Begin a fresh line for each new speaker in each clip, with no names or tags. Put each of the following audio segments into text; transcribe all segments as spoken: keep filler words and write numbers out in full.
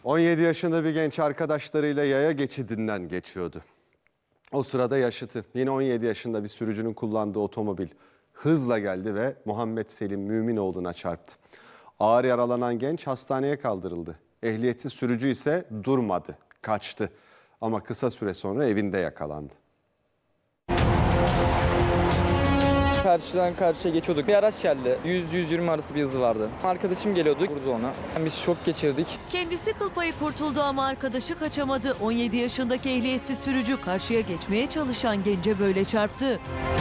on yedi yaşında bir genç arkadaşlarıyla yaya geçidinden geçiyordu. O sırada yaşıtı yine on yedi yaşında bir sürücünün kullandığı otomobil hızla geldi ve Muhammed Selim Müminoğlu'na çarptı. Ağır yaralanan genç hastaneye kaldırıldı. Ehliyetsiz sürücü ise durmadı, kaçtı. Ama kısa süre sonra evinde yakalandı.
Karşıdan karşıya geçiyorduk. Bir araç geldi. yüz yüz yirmi arası bir hızı vardı. Arkadaşım geliyordu. Vurdu ona. Biz şok geçirdik.
Kendisi kıl payı kurtuldu ama arkadaşı kaçamadı. on yedi yaşındaki ehliyetsiz sürücü karşıya geçmeye çalışan gence böyle çarptı.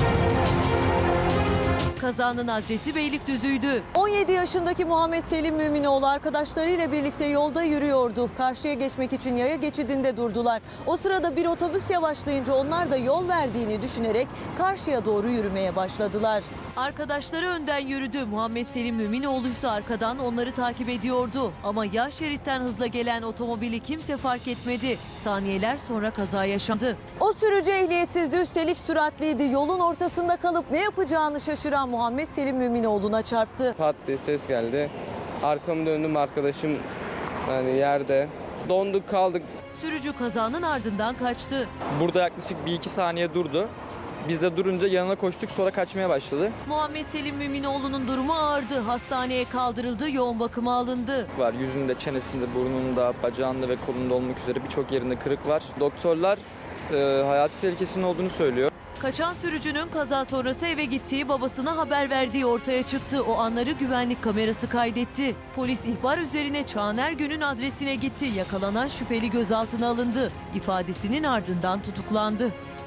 Kazanın adresi Beylikdüzü'ydü. on yedi yaşındaki Muhammed Selim Müminoğlu arkadaşlarıyla birlikte yolda yürüyordu. Karşıya geçmek için yaya geçidinde durdular. O sırada bir otobüs yavaşlayınca onlar da yol verdiğini düşünerek karşıya doğru yürümeye başladılar. Arkadaşları önden yürüdü. Muhammed Selim Müminoğlu ise arkadan onları takip ediyordu. Ama yan şeritten hızla gelen otomobili kimse fark etmedi. Saniyeler sonra kaza yaşandı. O sürücü ehliyetsizdi, üstelik süratliydi. Yolun ortasında kalıp ne yapacağını şaşıran Muhammed Selim Müminoğlu'na çarptı.
Pat diye ses geldi. Arkamı döndüm, arkadaşım yani yerde. Donduk kaldık.
Sürücü kazanın ardından kaçtı.
Burada yaklaşık bir iki saniye durdu. Biz de durunca yanına koştuk, sonra kaçmaya başladı.
Muhammed Selim Müminoğlu'nun durumu ağırdı. Hastaneye kaldırıldı, yoğun bakıma alındı.
Var yüzünde, çenesinde, burnunda, bacağında ve kolunda olmak üzere birçok yerinde kırık var. Doktorlar e, hayati tehlikesinin olduğunu söylüyor.
Kaçan sürücünün kaza sonrası eve gittiği, babasına haber verdiği ortaya çıktı. O anları güvenlik kamerası kaydetti. Polis ihbar üzerine Çağan Ergün'ün adresine gitti. Yakalanan şüpheli gözaltına alındı. İfadesinin ardından tutuklandı.